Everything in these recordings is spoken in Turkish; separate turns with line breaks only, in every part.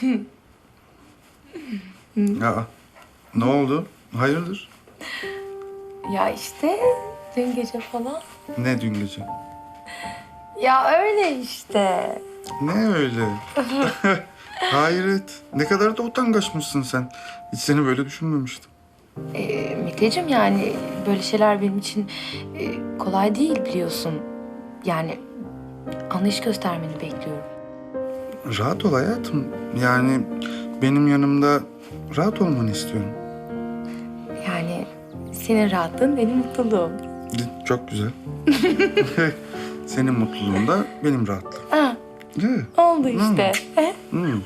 Ya ne oldu? Hayırdır?
Ya işte dün gece falan.
Ne dün gece?
Ya öyle işte.
Ne öyle? Hayret. Ne kadar da utangaçmışsın sen. Hiç seni böyle düşünmemiştim.
Meteciğim yani böyle şeyler benim için kolay değil biliyorsun. Yani anlayış göstermeni bekliyorum.
Rahat ol hayatım. Yani benim yanımda rahat olmanı istiyorum.
Yani senin rahatlığın benim mutluluğum.
Çok güzel. Senin mutluluğun da benim rahatlığım.
Ha,
Değil mi?
oldu işte.
Hmm.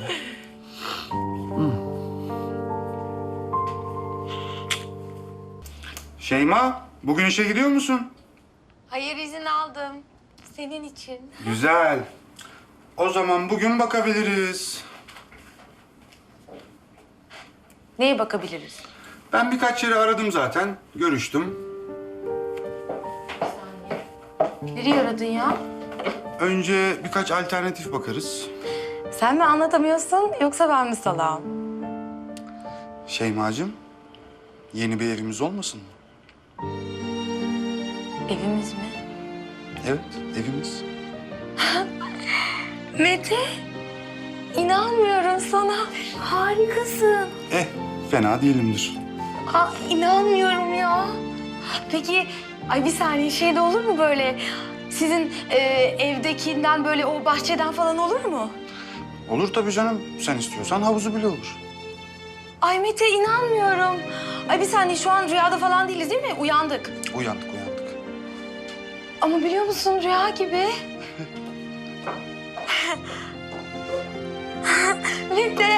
Şeyma, bugün işe gidiyor musun?
Hayır izin aldım. Senin için.
Güzel. O zaman bugün bakabiliriz.
Neye bakabiliriz?
Ben birkaç yeri aradım zaten. Görüştüm.
Nereye aradın ya?
Önce birkaç alternatif bakarız.
Sen mi anlatamıyorsun yoksa ben mi salağım?
Şeymacığım, yeni bir evimiz olmasın mı?
Evimiz mi?
Evet, evimiz.
Mete, inanmıyorum sana. Harikasın.
Fena değilimdir.
Aa, inanmıyorum ya. Peki, ay bir saniye şey de olur mu böyle? Sizin evdekinden böyle o bahçeden falan olur mu?
Olur tabii canım. Sen istiyorsan havuzu bile olur.
Ay Mete inanmıyorum. Ay bir saniye şu an rüyada falan değiliz değil mi? Uyandık.
Uyandık.
Ama biliyor musun rüya gibi. Mete.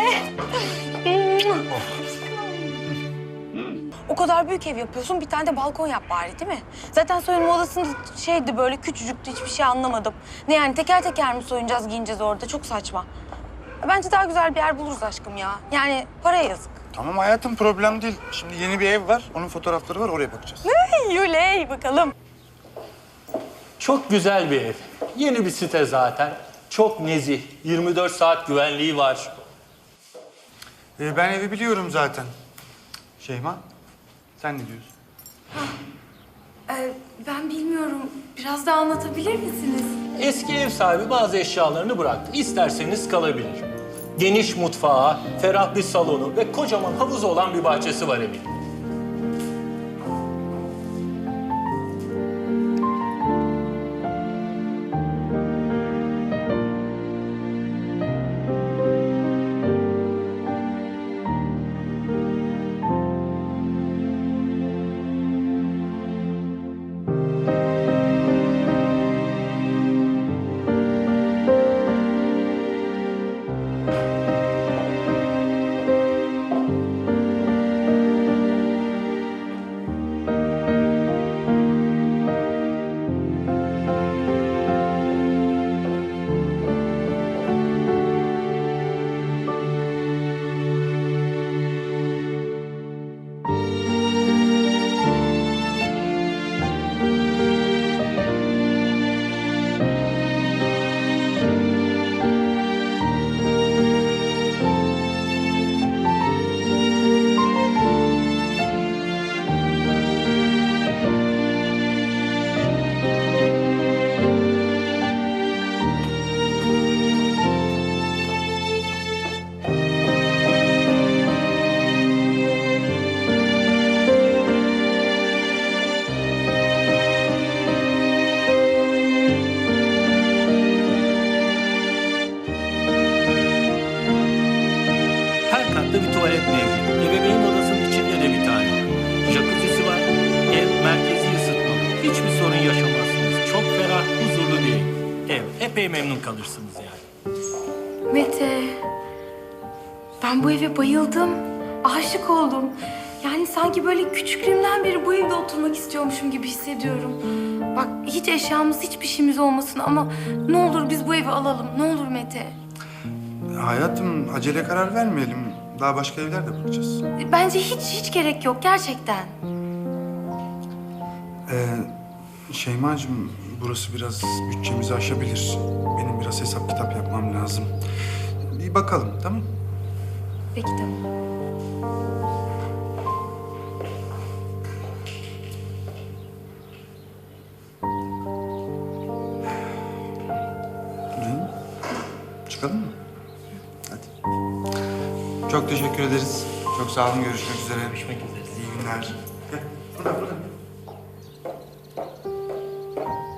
O kadar büyük ev yapıyorsun, bir tane de balkon yap bari değil mi? Zaten soyunma odasında şeydi böyle küçücüktü, hiçbir şey anlamadım. Ne yani teker teker mi soyunacağız, giyineceğiz orada? Çok saçma. Bence daha güzel bir yer buluruz aşkım ya. Yani paraya yazık.
Tamam hayatım, problem değil. Şimdi yeni bir ev var. Onun fotoğrafları var. Oraya bakacağız.
Yuley bakalım.
Çok güzel bir ev. Yeni bir site zaten. Çok nezih. 24 saat güvenliği var.
Ben evi biliyorum zaten. Şeyma, sen ne diyorsun?
Ben bilmiyorum. Biraz daha anlatabilir misiniz?
Eski ev sahibi bazı eşyalarını bıraktı. İsterseniz kalabilir. Geniş mutfağı, ferah bir salonu ve kocaman havuzu olan bir bahçesi var evin. Her katta bir tuvalet mevcut. Ebeveyn odasının içinde de bir tane var. Jacuzzi'si var. Ev merkezi ısıtmalı. Hiçbir sorun yaşamazsınız. Çok ferah, huzurlu bir ev. Epey memnun kalırsınız yani.
Mete, ben bu eve bayıldım. Aşık oldum. Yani sanki böyle küçüklüğümden beri bu evde oturmak istiyormuşum gibi hissediyorum. Bak hiç eşyamız, hiçbir şeyimiz olmasın ama ne olur biz bu evi alalım. Ne olur Mete.
Hayatım, acele karar vermeyelim. Daha başka evler de bakacağız.
Bence hiç gerek yok gerçekten.
Şeymacığım, burası biraz bütçemizi aşabilir. Benim biraz hesap kitap yapmam lazım. Bir bakalım, tamam mı?
Peki tamam.
Dün çıkalım mı? Hadi. Çok teşekkür ederiz. Çok sağ olun. Görüşmek üzere.
Görüşmek üzere.
İyi günler. Gel. Burada.